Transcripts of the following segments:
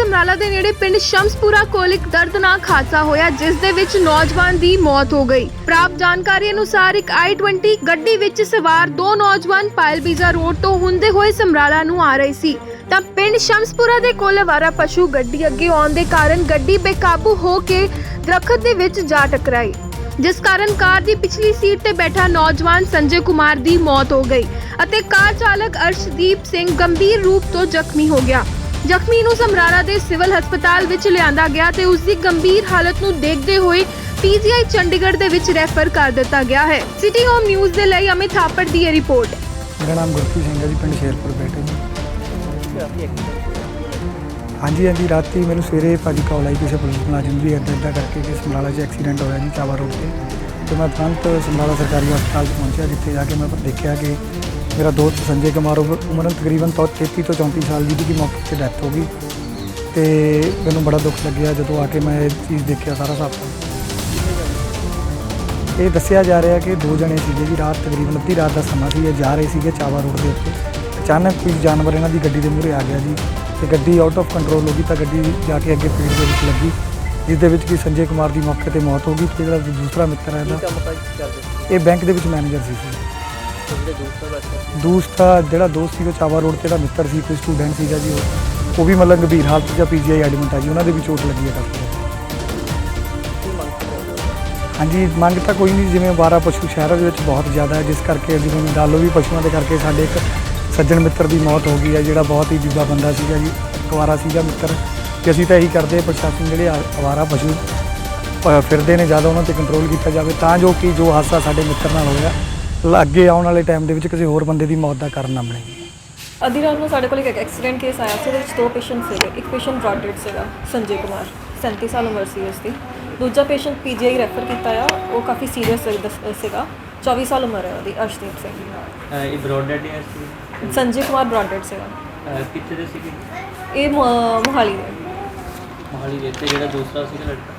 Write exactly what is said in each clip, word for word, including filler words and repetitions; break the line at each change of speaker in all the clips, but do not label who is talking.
ਸਮਰਾਲਾ ਦੇ ਨੇੜੇ ਪਿੰਡ ਸ਼ਮਸਪੁਰਾ ਕੋਲ ਇੱਕ ਦਰਦਨਾਕ ਹਾਦਸਾ ਹੋਇਆ ਜਿਸ ਦੇ ਵਿੱਚ ਨੌਜਵਾਨ ਦੀ ਮੌਤ ਹੋ ਗਈ। ਪ੍ਰਾਪਤ ਜਾਣਕਾਰੀ ਅਨੁਸਾਰ ਇੱਕ ਆਈ ਟਵੰਟੀ ਗੱਡੀ ਵਿੱਚ ਸਵਾਰ ਦੋ ਨੌਜਵਾਨ ਪਾਇਲਬੀਜ਼ਾ ਰੋਡ ਤੋਂ ਹੁੰਦੇ ਹੋਏ ਸਮਰਾਲਾ ਨੂੰ ਆ ਰਹੇ ਸੀ ਤਾਂ ਪਿੰਡ ਸ਼ਮਸਪੁਰਾ ਦੇ ਕੋਲ ਅਵਾਰਾ ਪਸ਼ੂ ਗੱਡੀ ਅੱਗੇ ਆਉਣ ਦੇ ਕਾਰਨ ਗੱਡੀ ਬੇਕਾਬੂ ਹੋ ਕੇ ਦਰਖਤ ਦੇ ਵਿੱਚ ਜਾ ਟਕਰਾਈ, ਜਿਸ ਕਾਰਨ ਕਾਰ ਦੀ ਪਿਛਲੀ ਸੀਟ ਤੇ ਬੈਠਾ ਨੌਜਵਾਨ ਸੰਜੇ ਕੁਮਾਰ ਦੀ ਮੌਤ ਹੋ ਗਈ ਅਤੇ ਕਾਰ ਚਾਲਕ ਅਰਸ਼ਦੀਪ ਸਿੰਘ ਗੰਭੀਰ ਰੂਪ ਤੋਂ ਜ਼ਖਮੀ ਹੋ ਗਿਆ। ਜ਼ਖਮੀ ਨੂੰ ਸਮਰਾਲਾ ਦੇ ਸਿਵਲ ਹਸਪਤਾਲ ਵਿੱਚ ਲਿਆਂਦਾ ਗਿਆ ਤੇ ਉਸ ਦੀ ਗੰਭੀਰ ਹਾਲਤ ਨੂੰ ਦੇਖਦੇ ਹੋਏ ਪੀਜੀਆਈ ਚੰਡੀਗੜ੍ਹ ਦੇ ਵਿੱਚ ਰੈਫਰ ਕਰ ਦਿੱਤਾ ਗਿਆ ਹੈ। ਸਿਟੀ ਹੋਮ ਨਿਊਜ਼ ਦੇ ਲਈ ਅਮਿਤ ਥਾਪੜ ਦੀ ਇਹ ਰਿਪੋਰਟ।
मेरा नाम गुरप्रीत सिंह है जी, पिंड शेरपुर बैठे जी। हाँ जी हाँ जी, रात मैंने सवेरे भाजी कॉल आई किसी पुलिस मुलाजिम भी इदा इदा करके कि समराला च एक्सीडेंट होया जी चावा रोड से। तो मैं तुरंत समराला सरकारी हस्पताल पहुँचा, जिथे जाके मैं देखा कि मेरा दोस्त संजय कुमार उम्र तकरीबन तो तेती तो चौंतीस साल जी की मौके से डैथ हो गई। तो मैंने बड़ा दुख लग्या जो आके मैं ये चीज़ देखा सारा साफ। ये दसिया जा रहा कि दो जने सीगे जी, रात तकरीबन अद्धी रात का समा सी, जा रहे थे चावा रोड के उत्ते। अचानक कोई जानवर इन्हों की गड्डी के मूहरे आ गया जी, तो गड्डी आउट ऑफ कंट्रोल हो गई, तो गड्डी जाके अगे पेड़ के विच लगी, जिस कि संजय कुमार की मौके पर मौत हो गई। तो जो दूसरा मित्र है ये बैंक के मैनेजर सी। दूसरा जोड़ा दोस्त सी चावा रोड से मित्र से कोई स्टूडेंट सीगा जी, वो भी मतलब गंभीर हालत च पी जी आई एडमिट है जी, उन्होंने भी चोट लगी है काफ़ी। हाँ जी, मंग तो कोई नहीं, जिमें अवारा पशु शहरों के बहुत ज़्यादा है, जिस करके जिमें डालो भी पशुओं के करके साढ़े एक सज्जन मित्र की मौत हो गई है, जोड़ा बहुत ही बीबा बंदा सीगा जी, अवारा सीगा मित्र। कि असीं तो यही करते प्रशासन जोड़े अवारा पशु फिरते हैं ज़्यादा उन्होंने कंट्रोल किया जाए, तो जो कि जो हादसा साढ़े मित्र नाल होया अगे आने वाले टाइम के किसी होर बंदे की मौत का कारण ना बने।
अद्धी रात में साढ़े को एक एक्सीडेंट केस आया, उस दो पेशेंट से, एक पेशेंट ब्रॉड डेड से संजय कुमार सैंती साल उम्र सी उसकी, दूजा पेशेंट पीजीआई रैफर किया, वो काफ़ी सीरीयस सेगा, चौबीस साल उम्र है वो अर्शदीप सिंह।
ब्रॉड डेड है
संजय कुमार ब्रॉड डेड सेगा।
कितने दे सीगे?
ये मोहाली दे
मोहाली दे ते जेड़ा दूसरा सीगा लड़का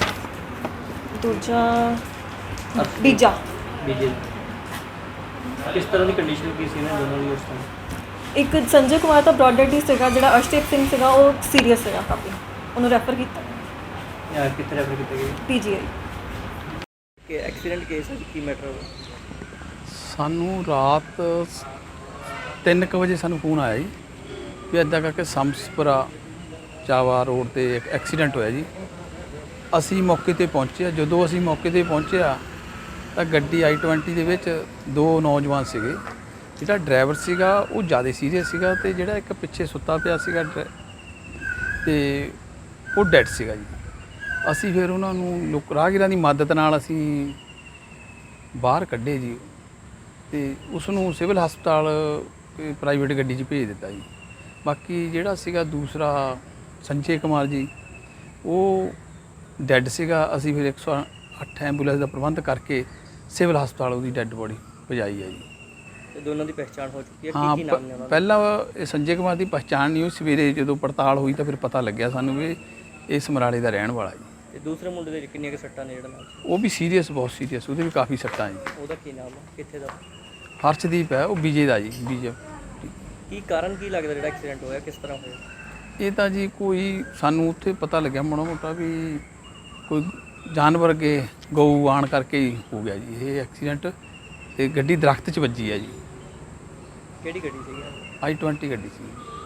दूजा बीजा
बीजे किस तरह की कंडीशन की सी ना दोनों की उस टाइम?
एक संजय कुमार तो ब्रॉड डेड ही सेगा, जेड़ा अर्शदीप सिंह सेगा वो सीरीयस सेगा काफ़ी, उन्होंने रैफर किया
यार कितने रैफर किए गए
पीजीआई।
कि एक्सीडेंट केस है की मैटर हो?
सानू रात तीन क वजे सानू फोन आया जी भी इदा करके समसपुरा चावा रोड ते एक एक्सीडेंट होया जी। असी मौके ते पहुंचे, जदों असी मौके ते पहुंचे तो गड्डी आई ट्वेंटी दे विच दो नौजवान सीगे, जिहड़ा ड्राइवर सीगा वो ज़्यादा सीरीयस सीगा ते जिहड़ा एक पिछे सुत्ता पिया सीगा ते वो डैड सीगा जी। असी फिर उन्होंने लोक राहगीरां दी मदद नाल असी बाहर कड्ढे जी, ते उसनूं सिविल हस्पताल प्राइवेट गड्डी 'च भेज दिता जी। बाकी जिहड़ा सीगा दूसरा संजय कुमार जी वो डैड सीगा, असी फिर एक सौ अठ एंबूलेंस का प्रबंध करके सिविल हस्पताल उसकी डैड बॉडी पहुँचाई है जी।
ते दोनों की पहचान हो चुकी है?
हाँ,
की नाम है?
पहला संजय कुमार की पहचान नहीं हुई, सवेरे जो पड़ताल हुई तो फिर पता लग्या सानू भी ये समराले का रहने वाला जी।
ते दूसरे मुंडे दे किन्नियां के सट्टां ने जेड़ा नाल?
वो भी सीरीयस, बहुत सीरीयस, वो भी काफ़ी सट्टां जी।
ओहदा की नाम है, कित्थे दा?
हर्षदीप है, वो बीजे का जी, बीजे।
की कारण की लगदा जेड़ा एक्सीडेंट होया, किस तरह होया?
ये तो जी कोई सानू उत्थे पता लग्या माड़ा मोटा भी कोई जानवर के गऊ आण करके ही हो गया जी ये एक्सीडेंट, ते गड्डी दरख्त च वजी है जी।
केड़ी गड्डी सी?
आई ट्वेंटी गड्डी सी।